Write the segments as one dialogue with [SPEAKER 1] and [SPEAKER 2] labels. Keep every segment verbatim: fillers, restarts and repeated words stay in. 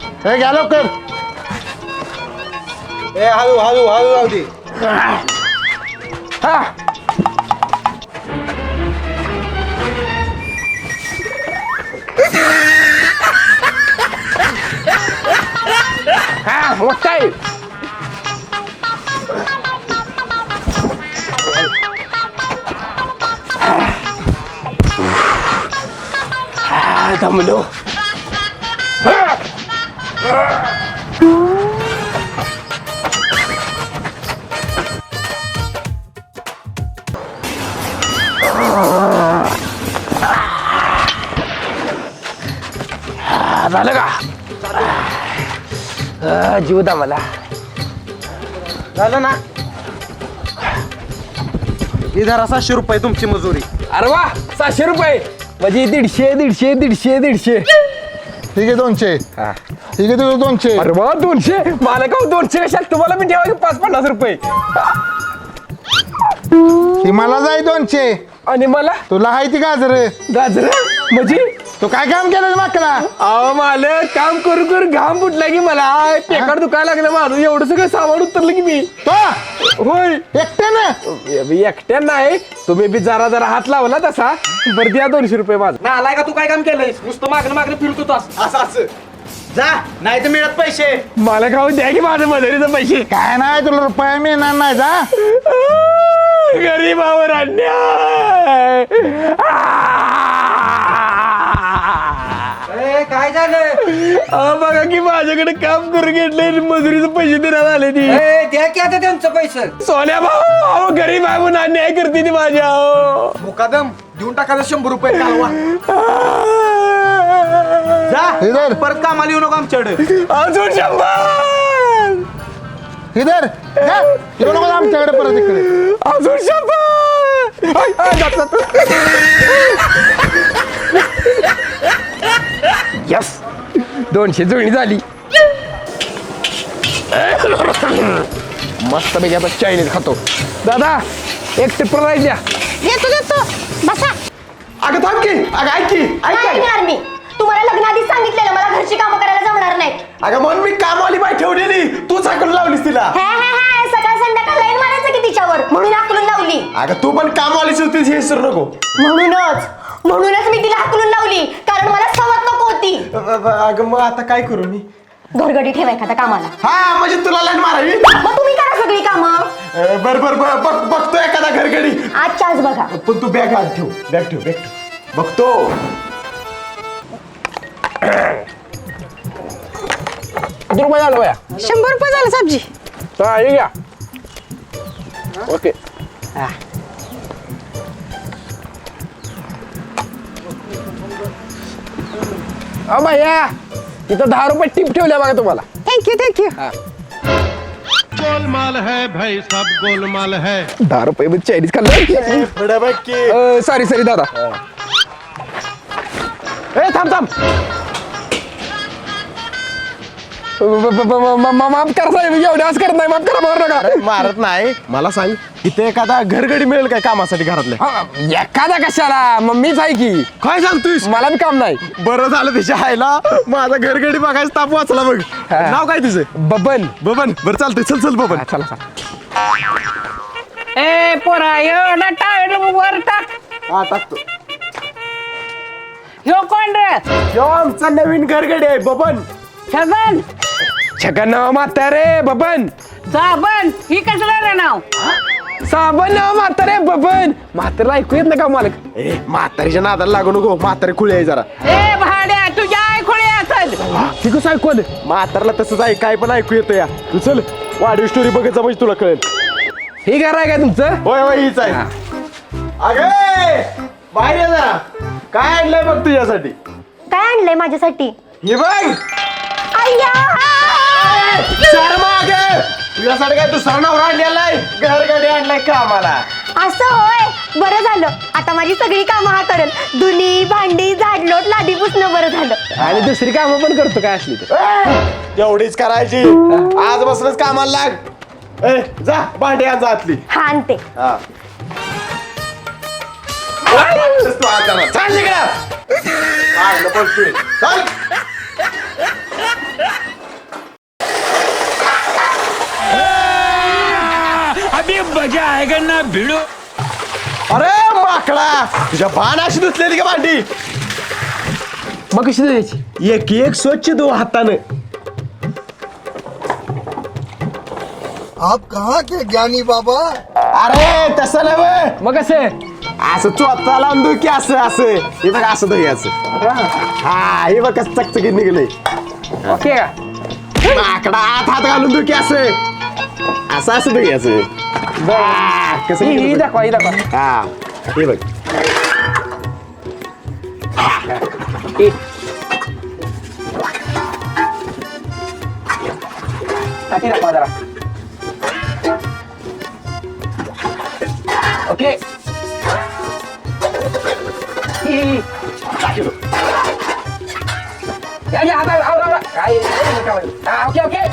[SPEAKER 1] हे घ्या लवकर.
[SPEAKER 2] ए हळू हळू हळू राहू दे.
[SPEAKER 1] हा हा मोठा आहे. हा, दमलो. झालं का? जीव दा मला.
[SPEAKER 2] झालं ना. ही धरा सातशे रुपये तुमची मजुरी.
[SPEAKER 1] अरे वा सहाशे रुपये म्हणजे दीडशे दीडशे दीडशे दीडशे.
[SPEAKER 3] ठीक आहे दोनशे. ठीक आहे तुझं दोनशे.
[SPEAKER 1] अरे वा दोनशे मला का दोनशे कशात तुम्हाला मी ठेवा पाच पन्नास रुपये.
[SPEAKER 3] ती मला जाय दोनशे
[SPEAKER 1] आणि मला
[SPEAKER 3] तुला हाय ती गाजर.
[SPEAKER 1] गाजर म्हणजे
[SPEAKER 3] तू काय काम केलं माकला?
[SPEAKER 1] अहो मालक काम करू करू घाम फुटला की मला पेकाड दुखायला लागलं माझं एवढं सगळं सामान उतरलं की मी.
[SPEAKER 3] तो
[SPEAKER 1] होय
[SPEAKER 3] एकट्यानं
[SPEAKER 1] एकट्या नाही तुम्ही बी जरा जरा हात लावला तसा. बरं द्या दोनशे रुपये माझं.
[SPEAKER 2] ना आलाय का तू काय काम केलंय? नुसतं मागणं मागणं फिरतो तू असं असं. जा नाही तर मिळत पैसे.
[SPEAKER 1] मला खाऊन द्या की माझं मजुरीचं पैसे.
[SPEAKER 3] काय नाही तुला रुपया मिळणार नाही जा.
[SPEAKER 1] गरीबावर अन्याय.
[SPEAKER 2] ए काय झालं?
[SPEAKER 1] अहो बघा की माझ्याकडे काम करून घेतले मजुरीचे पैसे देण्यात आले ती.
[SPEAKER 2] ए द्या की आता त्यांचं पैसे.
[SPEAKER 1] सोन्या भाऊ अहो गरीब आहे म्हणून अन्याय करते ती माझ्या. अहो
[SPEAKER 2] मुकादम देऊन टाकायचं शंभर रुपये कालवा.
[SPEAKER 3] इधर.
[SPEAKER 2] जा परत कामाला येऊ नको आमच्याकडे.
[SPEAKER 1] अजून शंभर.
[SPEAKER 3] इधर जा. येऊ नको आमच्याकडे परत इकडे.
[SPEAKER 1] अजून शंभर. आय, आय, जात, जात. यस दोनशे जुळणी झाली. मस्त पैकी आता चायनीज खातो. दादा एक टिप्पर राहील द्या.
[SPEAKER 4] देतो देतो बसा.
[SPEAKER 1] अगं थांब की अगं ऐक की ऐक
[SPEAKER 4] नाही
[SPEAKER 1] की.
[SPEAKER 4] येणार मी. तुम्हाला लग्नाआधीच सांगितलेलं मला घरची कामं करायला जमणार नाहीत.
[SPEAKER 1] अगं म्हणून मी कामवाली बाई ठेवलेली तूच हाकलून लावलीस तिला.
[SPEAKER 4] हे हे हे सकाळ संध्याकाळ लाईन मारायचं की तिच्यावर म्हणून हाकलून लावली.
[SPEAKER 1] अगं तू पण कामवालीच होतीस हे विसरू नको.
[SPEAKER 4] म्हणूनच म्हणूनच मी तिला हाकलून लावली कारण मला सवत नको होती.
[SPEAKER 1] अगं मग आता काय करू मी?
[SPEAKER 4] घरगडी ठेवा एखाद्या कामाला.
[SPEAKER 1] हा म्हणजे तुला लाईन मारावी.
[SPEAKER 4] मग तुम्ही करा सगळी कामं.
[SPEAKER 1] बर बर बर बघ बघतो एखादा घरगडी.
[SPEAKER 4] आजच्या आज बघा.
[SPEAKER 1] पण तू बॅग आत ठेव बॅग ठेव बॅग ठेव बघतो. किती रुपये झालं बया?
[SPEAKER 4] शंभर रुपये झालं सब्जी.
[SPEAKER 1] हा हे घ्या. ओके अ भैया इथं दहा रुपये टिप ठेवल्या बघा तुम्हाला.
[SPEAKER 4] Thank you thank you.
[SPEAKER 5] गोलमाल है भाई सब गोलमाल है.
[SPEAKER 1] दहा रुपये मध्ये चायनीज खाल्लं. सॉरी सॉरी दादा. ए थांब थांब. माफ करा साहेब एवढे आज करत नाही. माफ करा मारू नका.
[SPEAKER 2] मारत नाही. मला सांग इथे एखादा घरगडी मिळेल काय कामासाठी घरातल्या?
[SPEAKER 1] हा, एखादा कशाला मम्मीच आहे की.
[SPEAKER 2] काय सांगतोयस?
[SPEAKER 1] मला बी काम नाही.
[SPEAKER 2] बरं झालं तिच्या आईला माझा घरगडी बघायचं ताप वाचला बघ. नाव काय तुझं?
[SPEAKER 1] बबन.
[SPEAKER 2] बबन. बरं चालतंय चल चल बबन.
[SPEAKER 1] हा, चला चला.
[SPEAKER 6] ए पोरा एवढा टायर वर टाक.
[SPEAKER 2] हा टाकतो.
[SPEAKER 6] ह्यो कोण रे?
[SPEAKER 2] यो आमचा नवीन घरगडी आहे बबन.
[SPEAKER 6] छगन
[SPEAKER 1] छगन नाव म्हातारे बबन.
[SPEAKER 6] साबण ही कसलं रे नाव?
[SPEAKER 1] साबण नाव म्हातारे बबन. म्हातारा ऐकू येत ना का मालक?
[SPEAKER 2] ए म्हातारीच्या नादाला लागू नको. म्हातारी खुळी आहे जरा.
[SPEAKER 6] ए भाड्या तुझ्या ऐकून असेल.
[SPEAKER 1] ती कसं ऐकू आलं?
[SPEAKER 2] म्हातारला तसंच आहे काय पण ऐकू येतं या. तू चल वाढीव स्टोरी बघायचा म्हणजे तुला कळेल.
[SPEAKER 1] हे घर आहे का तुमचं?
[SPEAKER 2] होय होय हीच आहे. अगे बाहेर ये जरा. काय आणलंय बघ तुझ्यासाठी?
[SPEAKER 4] काय आणलंय माझ्यासाठी?
[SPEAKER 2] हे बघ.
[SPEAKER 4] अय्या
[SPEAKER 2] सर मागे तुझ्यासाठी काय दुसरा नवरा आणलेलाय घरगडी आणलाय कामाला.
[SPEAKER 4] असं होय बरं झालं. आता माझी सगळी कामं हा करेल. धुनी भांडी झाडलोट लादी पुसणं बरं झालं.
[SPEAKER 1] आणि दुसरी कामं पण करतो काय असली तर.
[SPEAKER 2] एवढीच करायची. आज बसलंच कामाला लाग. ए जा भांडी आण जा आतली.
[SPEAKER 4] हा आणते.
[SPEAKER 2] हा. तू आज जाणार. चाल तिकडं. चाल, नको बोलतोय. चाल.
[SPEAKER 5] मजा आएगा ना भिड़ो.
[SPEAKER 2] अरे माकडा तुझ्या बाण अशी धुतलेली का भांडी
[SPEAKER 1] मग कशी द्यायची
[SPEAKER 2] एक एक स्वच्छ धु हातानं.
[SPEAKER 3] आप कहाँ के ज्ञानी बाबा?
[SPEAKER 2] अरे तसं नाही बे.
[SPEAKER 1] मग कसं
[SPEAKER 2] असं चोथा लावून धु की असं असं हे बघ असं धुयाचं. हा हे बघ कसं चकचकीत निघलंय.
[SPEAKER 1] ओके का
[SPEAKER 2] माकडा आत हात घालून धु की असं असं असं धुयाचं. हा, कसं
[SPEAKER 1] ही ही
[SPEAKER 2] निघलं बघ.
[SPEAKER 1] दाखवा ही दाखवा
[SPEAKER 2] हा हे बघ
[SPEAKER 1] ही. हा, ती दाखवा जरा ओके ही, ही. या, या, आता, आवर, आवर. काय हा, ओके ओके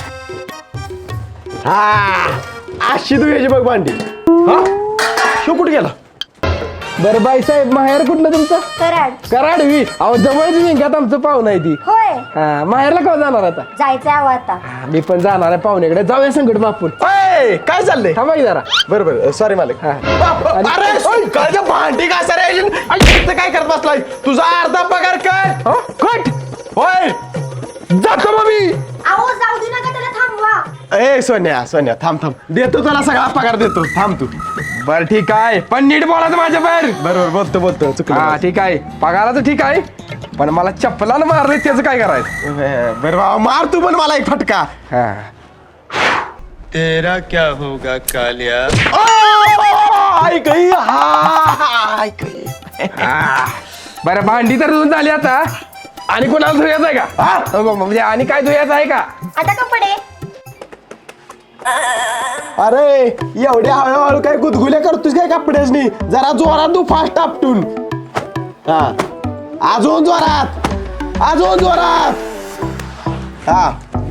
[SPEAKER 2] हा अशी धुयाची बघ भांडी. हा शो कुठे गेला
[SPEAKER 1] बरं बाई साहेब माहेर कुठलं तुमचं
[SPEAKER 4] कराड
[SPEAKER 1] कराडवी अहो जवळची विंग्यात आमचं पाहुणं आहे ती
[SPEAKER 4] होय
[SPEAKER 1] हा माहेरला केव्हा जाणार आता
[SPEAKER 4] जायचंय हवं आता.
[SPEAKER 1] हा, मी पण जाणार आहे पाहुण्याकडे जाऊया संकट मापून
[SPEAKER 2] अय, काय चाललंय
[SPEAKER 1] थांबा की जरा
[SPEAKER 2] बरं बरं सॉरी मालक.
[SPEAKER 1] हा.
[SPEAKER 2] अरे कालच्या भांडी का सर काय करत बसलाय तुझा अर्धा पगार काय
[SPEAKER 1] कट
[SPEAKER 2] होय
[SPEAKER 1] जातो मग मी
[SPEAKER 4] अहो जाऊ दे नका त्याला थांबवा.
[SPEAKER 2] ए सोन्या सोन्या थांब थांब देतो तुला सगळा पगार देतो थांब तू.
[SPEAKER 1] बर ठीक आहे पण नीट बोलायचं माझ्या बाहेर
[SPEAKER 2] बरोबर बोलतो बोलतो
[SPEAKER 1] हा
[SPEAKER 2] चुकलं.
[SPEAKER 1] ठीक आहे पगाराचं ठीक आहे पण मला चप्पलानं मारले त्याचं काय करायचं
[SPEAKER 2] बरं बाबा मार तू पण मला एक फटका.
[SPEAKER 1] हा
[SPEAKER 5] तेरा क्या होगा कालिया.
[SPEAKER 2] ओ, ऐक ही, हा, ऐक ही.
[SPEAKER 1] हा. बरं भांडी तर धुवून झाली आता आणि कोणाला धुयाचं आहे का
[SPEAKER 2] हा?
[SPEAKER 1] हो, म्हणजे आणि काय धुयाचं आहे का
[SPEAKER 4] आता कपडे
[SPEAKER 2] अरे एवढ्या हळूहळू काय गुदगुल्या करतोस काय कपड्यासनी जरा जोरात तू फास्ट आपटून. हा अजून जोरात अजून जोरात. हा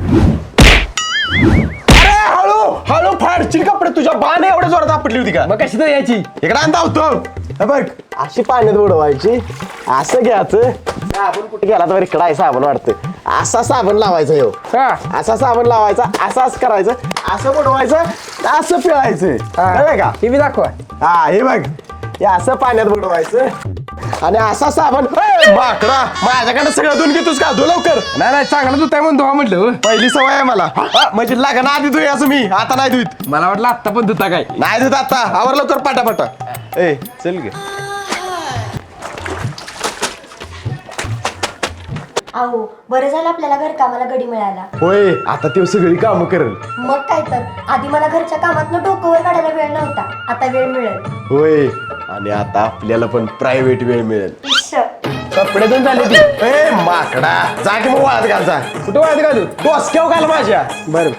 [SPEAKER 2] अरे हळू हळू फाडशील कपडे तुझ्या बाण एवढ्या जोरात आपटली होती का
[SPEAKER 1] मग कशी धुयाची
[SPEAKER 2] इकडे आणता होतो हे बघ अशी पाण्यात बुडवायची असं घ्यायचं साबण कुठे गेला तर इकडं आहे साबण वाटतं असा साबण लावायचं ह्यो
[SPEAKER 1] हा
[SPEAKER 2] असा साबण लावायचा असंच करायचं असं बुडवायचं असं पिळायचं कळलं का
[SPEAKER 1] ही बी दाखवा
[SPEAKER 2] हा हे बघ हे असं पाण्यात बुडवायचं आणि असा साबण ए, माकडा माझ्याकडे सगळं धुवून घेतोस का धु लवकर
[SPEAKER 1] नाही नाही चांगलं धुताय म्हणून धुवा म्हटलं हो.
[SPEAKER 2] पहिली सवय आहे मला हा, म्हणजे लागण आधी धुय असं मी आता नाही धुत
[SPEAKER 1] मला वाटलं आत्ता पण धुता काय
[SPEAKER 2] नाही धुत आता आवर लवकर पाटापाटा ए चल गे
[SPEAKER 4] अहो बरं झालं आपल्याला घरकामाला गडी मिळाला.
[SPEAKER 2] होय आता ते सगळी कामं करेल
[SPEAKER 4] मग काय तर आधी मला घरच्या कामातनं डोकंवर काढायला वेळ नव्हता आता वेळ मिळेल.
[SPEAKER 2] होय आणि आता आपल्याला पण प्रायव्हेट वेळ मिळेल.
[SPEAKER 4] इश्श.
[SPEAKER 1] कपडे धुवून झाले ती
[SPEAKER 2] ए माकडा जा की मग वाळत घाल जा
[SPEAKER 1] कुठं वाळत घालू
[SPEAKER 2] डोसक्याव घाल माझ्या
[SPEAKER 1] बरं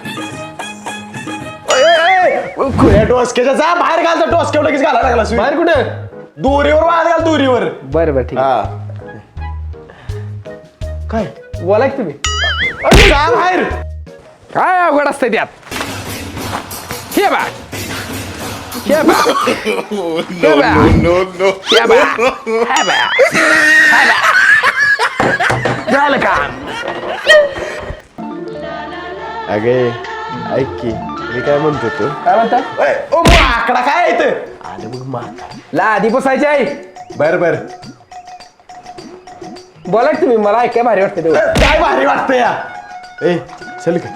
[SPEAKER 2] खुल्या डोसक्याच्या जा बाहेर घाल तर डोसक्याव लगेच घालायला लागला
[SPEAKER 1] बाहेर कुठं
[SPEAKER 2] दोरीवर वाळत घाल दोरीवर.
[SPEAKER 1] बरं बरं ठीक आहे.
[SPEAKER 2] हा काय
[SPEAKER 1] बोला की तुम्ही
[SPEAKER 2] अरे जा बाहेर
[SPEAKER 1] काय अवघड असतंय त्यात हे बा हे बा हे बा हे बा हे बा हे बा झालं का
[SPEAKER 2] अगे ऐक की मी काय म्हणतो तू
[SPEAKER 1] काय म्हणता
[SPEAKER 2] ओ माकडा काय येत आलं मग माकडा
[SPEAKER 1] लादी पुसायची आहे
[SPEAKER 2] बर बर
[SPEAKER 1] बोला की तुम्ही मला ऐकाय भारी वाटतं तेवढं
[SPEAKER 2] काय भारी वाटतं या ए चल का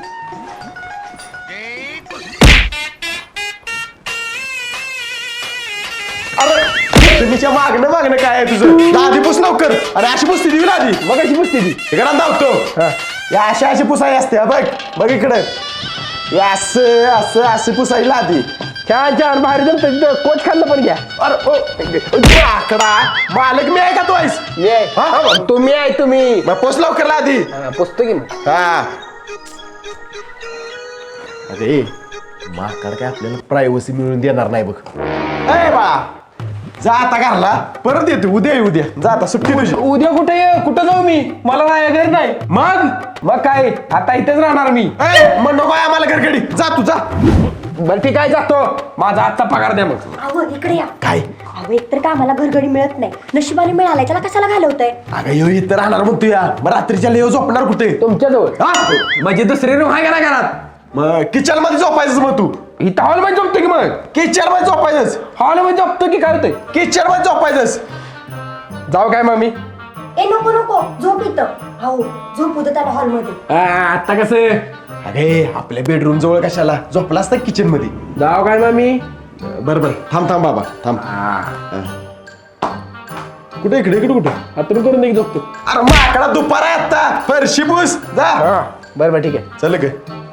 [SPEAKER 2] अरे तुम्हीच्या मागणं मागणं काय आहे तुझं लादी पुस लवकर अरे अशी पुसती दिवी लादी
[SPEAKER 1] मग कशी पुसते ती
[SPEAKER 2] इकडं धावतो या अशी अशी पुसाई असते हा, बघ बघ इकडं हे असं असं असं पुसाई लादी
[SPEAKER 1] छान छान भारी जमतं कोच खाल्लं पण घ्या
[SPEAKER 2] अरे ओ आकडा मालक मी आहे का तू आहेस
[SPEAKER 1] मी आहे
[SPEAKER 2] हा?
[SPEAKER 1] हा, मग तुम्ही आहे तुम्ही
[SPEAKER 2] मग पोच लवकर लादी
[SPEAKER 1] हा, पुसतो की मग
[SPEAKER 2] हा अरे माकड काय आपल्याला प्रायव्हसी मिळून देणार नाही बघ ए बा जा आता घरला परत येते उद्या ये उद्या जा आता सुट्टी तुझी
[SPEAKER 1] उद्या कुठे ये कुठं जाऊ मी मला नाही घर नाही
[SPEAKER 2] मग
[SPEAKER 1] मग काय आता इथेच राहणार मी
[SPEAKER 2] ए मग नको आहे आम्हाला घरगडी जा तू जा
[SPEAKER 1] बरं ठीक आहे जातो माझा आजचा पगार द्या मग
[SPEAKER 4] अहो इकडे या.
[SPEAKER 2] काय
[SPEAKER 4] अहो एकतर कामाला घरगडी मिळत नाही नशिबाने मिळालाय त्याला कशाला घालवतंय.
[SPEAKER 2] अगं यो इथं राहणार म्हणतो या मग रात्रीच्या लेव झोपणार कुठे
[SPEAKER 1] तुमच्याजवळ
[SPEAKER 2] हा
[SPEAKER 1] म्हणजे दुसरी रूम आहे का नाही घरात
[SPEAKER 2] मग किचन मध्ये झोपायचं मग तू
[SPEAKER 1] इथं हॉल मध्ये झोपतो की मग
[SPEAKER 2] किचन मध्ये झोपायचंच
[SPEAKER 1] हॉल मध्ये झोपतो की काय होतंय
[SPEAKER 2] किचन मध्ये झोपायचंच
[SPEAKER 1] जाऊ काय मम्मी
[SPEAKER 4] ए नको नको झोप इथं हो झोप उद्या त्याला हॉलमध्ये
[SPEAKER 1] आता कसं
[SPEAKER 2] अरे आपल्या बेडरूम जवळ कशाला झोपलास तर किचन मध्ये
[SPEAKER 1] जाऊ काय मम्मी
[SPEAKER 2] बर बर थांब थांब बाबा थांब कुठे इकडे इकडे कुठे
[SPEAKER 1] हातून करून दे की झोपतो
[SPEAKER 2] अरे माकडा दुपार आहे आता फरशी पुस जा
[SPEAKER 1] हा बरं बरं ठीक आहे
[SPEAKER 2] चल ग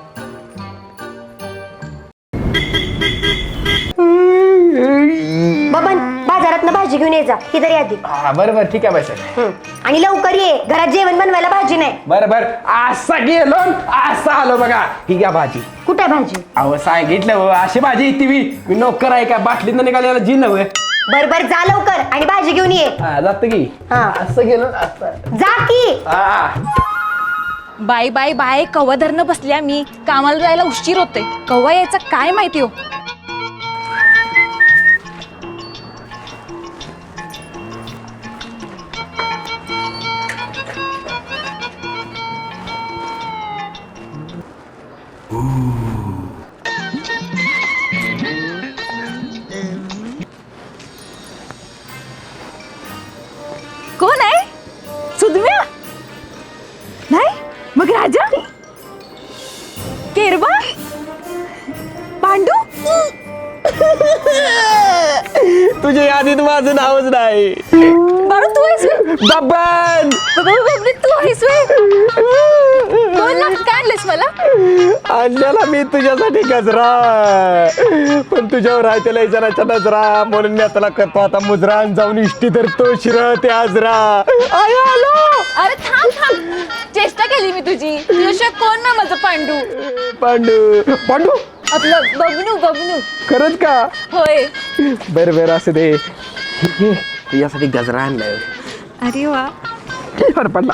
[SPEAKER 4] बबन बाजारात भाजी घेऊन ये जा ही तरी आधी
[SPEAKER 1] हा बरं बरं ठीक आहे बाई साहेब
[SPEAKER 4] हं. आणि लवकर ये घरात जेवण बनवायला भाजी नाही
[SPEAKER 1] बरं बरं असा गेलो असा आलो बघा ही घ्या भाजी
[SPEAKER 4] कुठे भाजी
[SPEAKER 1] अहो सांगितलं हो, अशी भाजी येते मी मी नोकर आहे का बाटलीत निघालेला जी नव्हे
[SPEAKER 4] बर बर जा लवकर आणि भाजी घेऊन ये
[SPEAKER 1] हा जात की
[SPEAKER 4] हा.
[SPEAKER 1] असं गेलो असं
[SPEAKER 4] जा की
[SPEAKER 1] हा
[SPEAKER 7] बाय बाय बाय कवा धरणं बसल्या मी कामाला जायला उशीर होते कवा यायचा काय माहिती हो कोण आहे सुदम्या नाही मग राजा केरबा पांडू
[SPEAKER 1] तुझ्या यादीत माझं नावच नाही
[SPEAKER 7] बाळू तू आहेस व्हय?
[SPEAKER 1] बबन
[SPEAKER 7] बाबा, बाबा, तू आहेस व्हय? कोण ना काय आणलंस मला
[SPEAKER 1] आणलेला मी तुझ्यासाठी गजरा पण तुझ्यावर आहे त्याला इजाराच्या नजरा म्हणून मी आता करतो आता मुजरा आणि जाऊन इष्टी धरतो शिर ते आजरा आय आलो
[SPEAKER 7] अरे थांब थांब चेष्टा केली मी तुझी तुझ्याशिवाय कोण ना माझं पांडू
[SPEAKER 1] पांडू पांडू
[SPEAKER 7] आपलं बबनू बबनू
[SPEAKER 1] खरंच का
[SPEAKER 7] होय
[SPEAKER 1] बरं बरं असं दे तुझ्यासाठी गजरा आणलाय
[SPEAKER 7] अरे वा
[SPEAKER 1] बरं पडला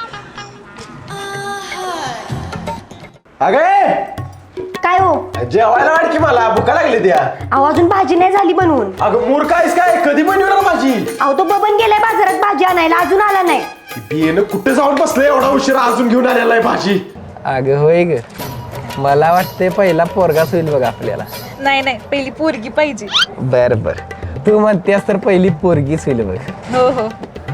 [SPEAKER 2] अगे
[SPEAKER 4] काय हो
[SPEAKER 2] जेवायला वाट की मला भुका लागली त्या
[SPEAKER 4] अहो अजून भाजी नाही झाली बनवून
[SPEAKER 2] अगं मूर्ख आहेस काय कधी बनवणार माझी
[SPEAKER 4] अहो तो बबन गेलाय बाजारात भाजी आणायला अजून आला नाही
[SPEAKER 2] बियेनं कुठे जाऊन बसले एवढा उशीर अजून घेऊन आलेला आहे भाजी
[SPEAKER 1] अगं होय ग मला वाटते पहिला पोरगाच होईल बघ आपल्याला
[SPEAKER 7] नाही नाही पहिली पोरगी पाहिजे
[SPEAKER 1] बर बर तू म्हणतेस तर पहिली पोरगीच होईल बघ
[SPEAKER 7] हो हो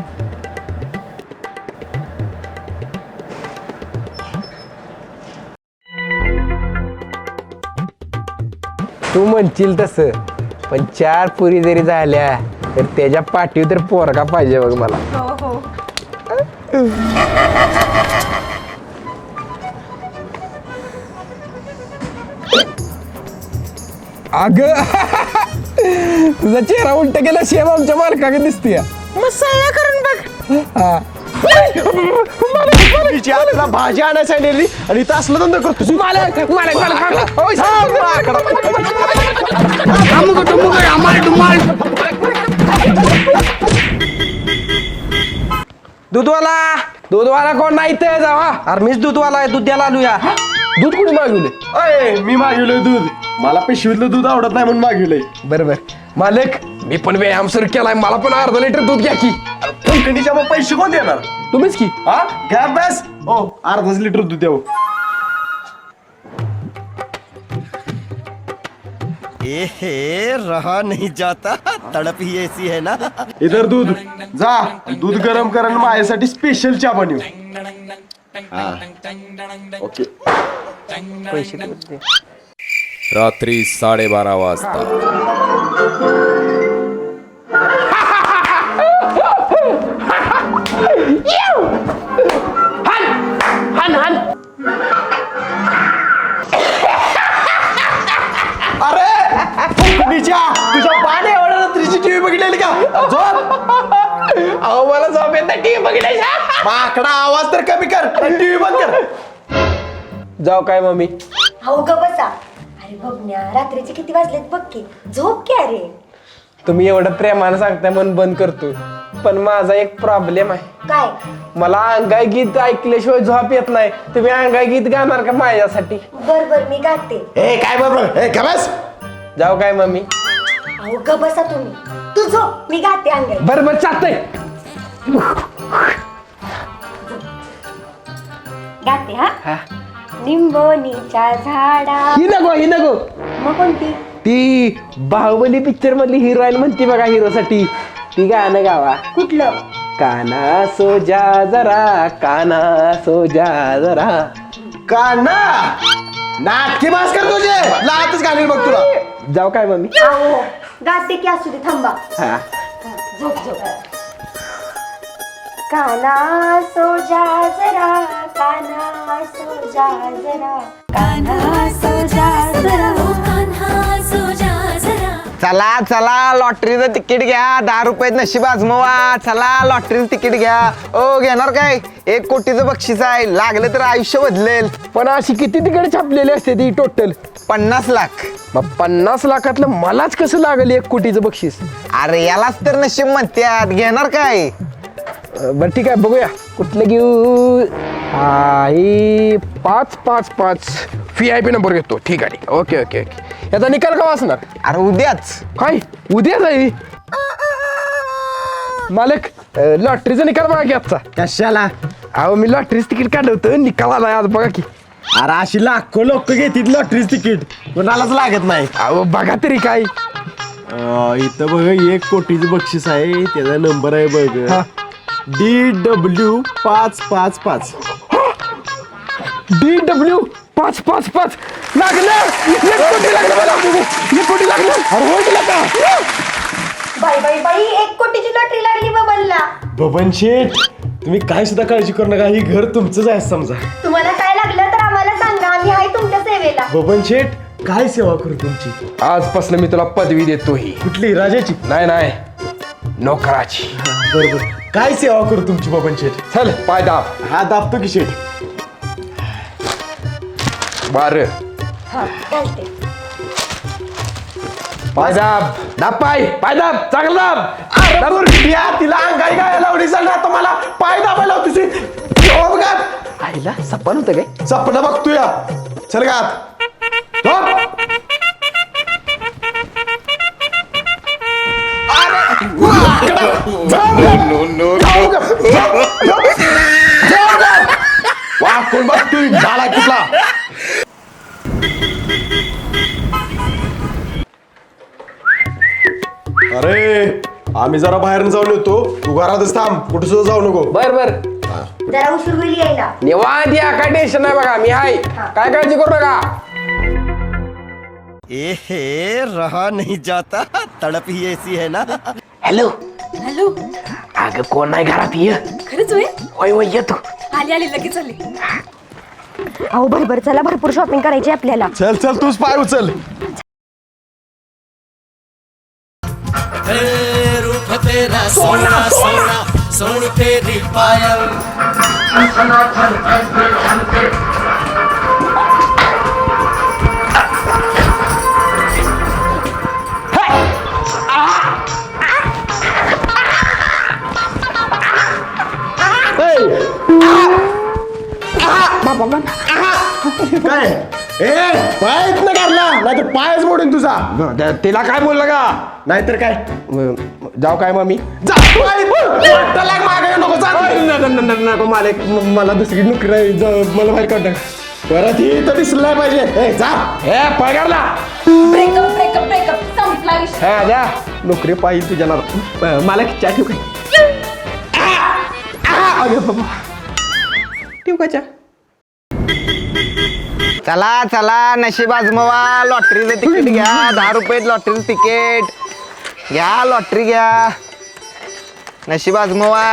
[SPEAKER 1] तू म्हणशील तसं पण चार पुरी जरी झाल्या तर त्याच्या पाठीवर तर पोरगा पाहिजे बघ मला
[SPEAKER 7] हो हो
[SPEAKER 1] अग तुझा चेहरा उलट गेला शेम आमच्या मालकाकडे दिसते
[SPEAKER 2] तिची आपल्याला भाजी आणायला सांगितलेली आणि इथं असलं धंदा करतो
[SPEAKER 1] मालक मालक मालक होय, दूधवाला दूधवाला कोण नाही ते जावा अरे मीच दूधवाला आहे दूध द्यायला आलूया दूध कुठे मागवले
[SPEAKER 2] अय मी मागवलंय दूध मला पिशवीतलं दूध आवडत नाही म्हणून मागवलंय
[SPEAKER 1] बरोबर मालक मी पण व्यायाम सुरू केलाय मला पण अर्धा लिटर दूध घ्या की
[SPEAKER 2] कंपनीच्या मग पैसे कोण देणार
[SPEAKER 1] तुम्हीच की
[SPEAKER 2] हा घ्या बस हो अर्धाच लिटर दूध द्यावं
[SPEAKER 8] एहे रहा नहीं जाता तड़प ही ऐसी है ना
[SPEAKER 2] इधर दूध जा दूध गरम करून माझ्यासाठी स्पेशल चहा बनव हा ओके
[SPEAKER 5] रात्री साडेबारा वाजता
[SPEAKER 2] अरे कंपनीच्या तुझ्या पाणी एवढ्या रात्रीची टीव्ही बघितलेली का झोप
[SPEAKER 1] अहो मला झोप येत टीव्ही बघितल्याच्या
[SPEAKER 2] माकडा आवाज तर कमी कर टीव्ही बंद कर
[SPEAKER 1] जाऊ काय मम्मी
[SPEAKER 4] अहो ग बसा अरे बबन्या रात्रीचे किती वाजलेत बघ की झोप की अरे
[SPEAKER 1] तुम्ही एवढं प्रेमानं सांगताय मन बंद करतो पण माझा एक प्रॉब्लेम आहे
[SPEAKER 4] काय
[SPEAKER 1] मला अंगाई गीत ऐकल्याशिवाय झोप येत नाही तुम्ही अंगाई गीत गाणार का माझ्यासाठी
[SPEAKER 4] बर बर मी गाते
[SPEAKER 2] ए काय बरोबर ए का बस
[SPEAKER 1] जाऊ काय मम्मी
[SPEAKER 4] अहो ग बसा तुम्ही तू झोप मी गाते अंगाई
[SPEAKER 1] बरं बरं चालतंय
[SPEAKER 4] गाते हा
[SPEAKER 1] हा.
[SPEAKER 4] निंबोनीच्या झाडा
[SPEAKER 1] ही नको ही नको
[SPEAKER 4] मग कोणती?
[SPEAKER 2] ती बाहुबली पिक्चर मधली हिरोईन म्हणते बघा हिरोसाठी, ती गाणं गावा.
[SPEAKER 4] कुठलं?
[SPEAKER 2] काना सो जा जरा, काना सो जा जरा. काना नाटकी बास कर तुझे, लातच घालील बघ तुला. जाऊ काय मम्मी?
[SPEAKER 4] अहो गाते की असू दे, थांबा.
[SPEAKER 2] हा.
[SPEAKER 4] झोप झोप. काना सो जा जरा, काना सो जा जरा, काना सो जा जरा, कान्हा सो जा जरा.
[SPEAKER 1] चला चला लॉटरीचं तिकीट घ्या, दहा रुपयात नशीब आजमवा. चला लॉटरीचं तिकीट घ्या. ओ घेणार काय? एक कोटीचं बक्षीस आहे, लागलं तर आयुष्य बदलेल.
[SPEAKER 2] पण अशी किती तिकडे छापलेली असते ती टोटल?
[SPEAKER 1] पन्नास लाख.
[SPEAKER 2] मग पन्नास लाखातलं मलाच कसं लागलं एक कोटीचं बक्षीस?
[SPEAKER 1] अरे यालाच तर नशीब म्हणतात. घेणार काय?
[SPEAKER 2] अं, बरं ठीक आहे, बघूया कुठलं घेऊ. आई पाच पाच पाच व्ही आय पी नंबर घेतो. ठीक आहे ठीक आहे. Okay okay okay. याचा निकाल का वाचणार?
[SPEAKER 1] अरे उद्याच.
[SPEAKER 2] काय उद्या जाईल? मालक अं, लॉटरीचा निकाल बघा की आजचा.
[SPEAKER 3] कशाला?
[SPEAKER 2] अहो मी लॉटरीचं तिकीट काढवतो, निकाल आलाय आज बघा की.
[SPEAKER 3] अरे अशी लाखो लोक घेतील लॉटरीच तिकीट, कोणालाच लागत नाही.
[SPEAKER 2] अहो बघा तरी काय.
[SPEAKER 3] अं, इथं बघ एक कोटीचं बक्षीस आहे, त्याचा नंबर आहे बघ
[SPEAKER 2] हा.
[SPEAKER 3] डी डब्ल्यू पाच पाच पाच.
[SPEAKER 2] डी डब्ल्यू पाच पाच पाच लागलं. एक कोटी लागलं मला. एक कोटी लागलं. अरे होय तुला का?
[SPEAKER 4] बाई बाई बाई, एक कोटीची लॉटरी लागली बबनला.
[SPEAKER 3] बबन शेठ, तुम्ही काय सुद्धा काळजी करू नका, ही घर तुमचंच आहे समजा.
[SPEAKER 4] तुम्हाला काय लागलं तर आम्हाला सांगा, आम्ही आहे तुमच्या सेवेला.
[SPEAKER 3] बबन शेठ, काय सेवा करू तुमची?
[SPEAKER 2] आजपासून मी तुला पदवी देतो. ही
[SPEAKER 3] कुठली? राजाची?
[SPEAKER 2] नाही नाही, नोकराची.
[SPEAKER 3] बरोबर. काय सेवा करू तुमची बबन शेठ?
[SPEAKER 2] चल पाय दाब.
[SPEAKER 3] हा दाबतो की शेठ.
[SPEAKER 2] बार
[SPEAKER 4] हा, घालते.
[SPEAKER 2] पाय दाब. दाब पाय. पाय दाब. चांगला दाब.
[SPEAKER 3] अरे बुरट्या, तिला अंगाई गाय लावली चाल ना, मला पाय दाबायला होती. झोप गात.
[SPEAKER 2] आईला सपन होतं काय?
[SPEAKER 3] सपना बघतो या. चल गात. झोप. वा कोण बघतोय झाला कुठला? अरे आम्ही जरा बाहेर जाऊन येतो, तू घरातच थांब, कुठे सुद्धा जाऊ नको.
[SPEAKER 2] बर बर.
[SPEAKER 4] जरा उशीर होईल यायला.
[SPEAKER 2] निवांत या, काय टेन्शन नाही बघा, मी आहे. काय काळजी करू नका.
[SPEAKER 8] ए हे रहा नहीं जाता, तड़प ही ऐसी है ना.
[SPEAKER 2] हॅलो
[SPEAKER 7] हॅलो,
[SPEAKER 2] अगं कोण नाही घरात? ये.
[SPEAKER 7] खरंच होय?
[SPEAKER 2] होय होय येतो.
[SPEAKER 7] आली आली लगेच आली.
[SPEAKER 4] अहो भरभर चला, भरपूर शॉपिंग करायची आपल्याला.
[SPEAKER 3] चल चल तूच पाय उचल.
[SPEAKER 8] रूप तेरा सोना सोना सोन तेरी पायल.
[SPEAKER 3] काय ए पाय इथनं काढला, नाहीतर पायच मोडून तुझा.
[SPEAKER 2] तिला काय बोललं का?
[SPEAKER 3] नाहीतर काय
[SPEAKER 2] जाऊ काय मग मी?
[SPEAKER 3] जा पाय वाटतं लाग मागे नको जा.
[SPEAKER 2] नको मालक, मला दुसरी नोकरी आहे. जा, मला बाहेर काढ.
[SPEAKER 3] परत ही तर दिसलं नाही पाहिजे. ए जा.
[SPEAKER 2] हे पगारला.
[SPEAKER 7] ब्रेकअप ब्रेकअप ब्रेकअप संपला विषय.
[SPEAKER 2] हा जा, नोकरी पाहिजे तुझ्या नाला. मला चहा ठेव काय? अरे बाबा, ठेव का चहा?
[SPEAKER 1] चला चला नशीब आजमवा. लॉटरीचं तिकीट घ्या, दहा रुपयात लॉटरीचं तिकीट घ्या. लॉटरी घ्या, नशीब आजमवा.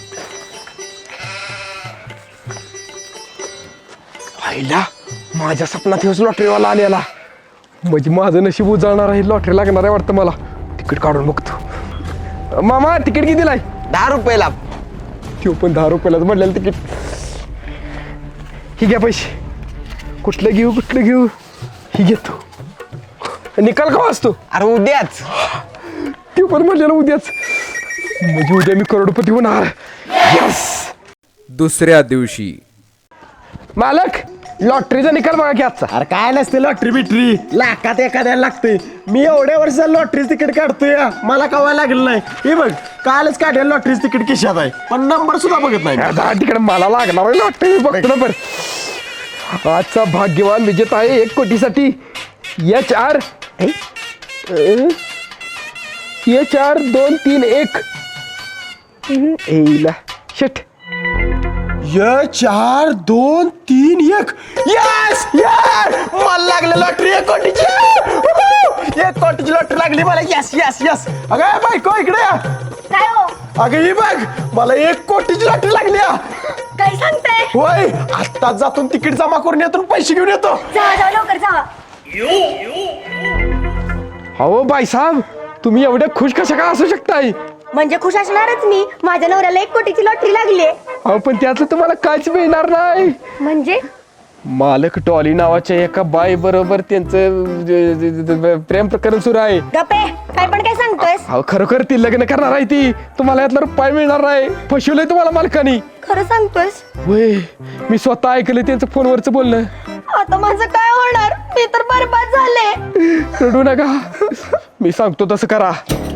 [SPEAKER 2] आईला माझ्या सपनात हेच लॉटरीवाला आलेला. म्हणजे माझं नशीब उजळणार आहे. लॉटरी लागणार आहे वाटतं मला. तिकीट काढून बघतो. मामा तिकीट कितीला आहे?
[SPEAKER 1] दहा रुपयाला.
[SPEAKER 2] तो पण दहा रुपयालाच म्हटलेलं तिकीट. ही घ्या पैसे. कुठलं घेऊ कुठलं घेऊ? ही घेतो. निकाल का वाचतो?
[SPEAKER 1] अरे उद्याच.
[SPEAKER 2] ते पण म्हटलेलं उद्याच. म्हणजे उद्या मी करोडपती होणार. यस.
[SPEAKER 5] दुसऱ्या दिवशी
[SPEAKER 2] मालक लॉटरीचा निकाल बघा की आजचा.
[SPEAKER 3] अरे काय नसते लॉटरी बिटरी, लाखात एखाद्याला लागते. मी एवढ्या वर्षात लॉटरीच तिकीट काढतोय, मला कवा लागलं नाही. हे बघ कालच काढेल लॉटरीच तिकीट खिशात आहे, पण नंबर सुद्धा बघत नाही.
[SPEAKER 2] दहा तिकडे मला लागणार आहे लॉटरी. बघतो ना बरं. आजचा भाग्यवान विजेता आहे एक कोटीसाठी
[SPEAKER 1] एच आर एच आर दोन तीन एक एला शेट
[SPEAKER 3] य चार दोन तीन एक यस यार मला लागलं लॉटरी एक कोटीची उहू! एक कोटीची लॉटरी लागली मला यस यस यस अगं बायको इकडे या.
[SPEAKER 4] काय हो
[SPEAKER 3] अगं ही बघ मला एक कोटीची लॉटरी लागली हा.
[SPEAKER 4] काय सांगताय
[SPEAKER 3] होय आत्ताच जातून तिकीट जमा करून येतो आणि पैसे घेऊन येतो.
[SPEAKER 4] जावा जावा लवकर जावा
[SPEAKER 1] अहो बाईसाहेब तुम्ही एवढे खुश कशा का असू शकताय
[SPEAKER 4] म्हणजे खुश असणारच मी माझ्या नवऱ्याला एक कोटीची लॉटरी लागली
[SPEAKER 1] अहो पण त्याचं तुम्हाला काहीच मिळणार नाही
[SPEAKER 4] म्हणजे
[SPEAKER 1] मालक टॉली नावाच्या एका बाई बरोबर त्यांचं ज- ज- ज- प्रेम प्रकरण सुरू आहे.
[SPEAKER 4] गप्पे काय पण काय सांगतोयस
[SPEAKER 1] अहो खरोखर ती लग्न करणार आहे ती तुम्हाला यातला रुपये मिळणार नाही फसवलंय तुम्हाला मालकानी.
[SPEAKER 4] खरं सांगतोयस
[SPEAKER 1] होय मी स्वतः ऐकलं त्यांचं फोनवरचं बोलणं.
[SPEAKER 4] आता माझं काय होणार मी तर बरबाद झाले
[SPEAKER 1] रडू नका मी सांगतो तसं करा.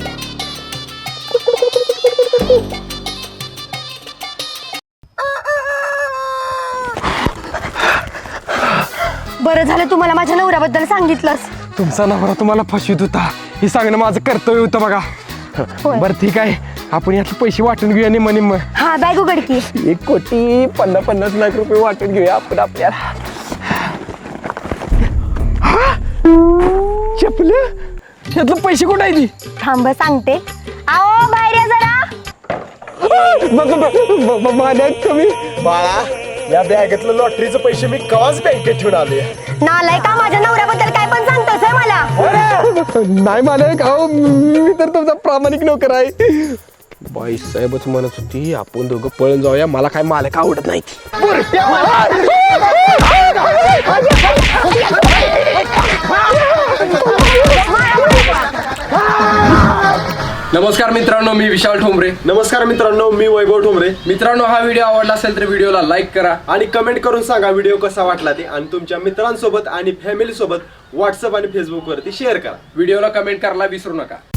[SPEAKER 4] बरं झालं तुम्हाला माझ्या नवऱ्याबद्दल सांगितलंस
[SPEAKER 1] तुमचा नवरा तुम्हाला फसवीत होता हे सांगणं माझं कर्तव्य होतं बघा. बरं ठीक आहे आपण यातले पैसे वाटून घेऊया निम्म निम्म.
[SPEAKER 4] हा बॅग उघडकी
[SPEAKER 1] एक कोटी पन्नास पन्नास लाख रुपये वाटून घेऊया आपण आपल्याला. चपलं यातलं पैसे कुठं आहे ती
[SPEAKER 4] थांब सांगते आओ बाहेर या जरा
[SPEAKER 1] माझ्या कमी
[SPEAKER 3] बाळा या बॅगेतलं लॉटरीचे पैसे मी कवाच बँकेत ठेवून आले.
[SPEAKER 4] नालाय का माझ्या नवऱ्याबद्दल काय पण सांगतोस होय मला
[SPEAKER 1] नाही मालक अहो मी तर तुमचा प्रामाणिक नोकर आहे. बाई साहेबच म्हणत होती आपण दोघं पळून जाऊया मला काय मालक आवडत नाही.
[SPEAKER 5] नमस्कार मित्रांनो, मी विशाल ठोंबरे.
[SPEAKER 3] नमस्कार मित्रांनो मी वैभव ठोंबरे.
[SPEAKER 5] मित्रांनो, हा व्हिडिओ आवडला असेल तर व्हिडिओला लाईक करा
[SPEAKER 3] आणि कमेंट करून सांगा व्हिडिओ कसा वाटला ते आणि तुमच्या मित्रांसोबत आणि फॅमिली सोबत व्हॉट्सअप आणि फेसबुक वरती शेअर करा.
[SPEAKER 5] व्हिडिओला कमेंट करायला विसरू नका.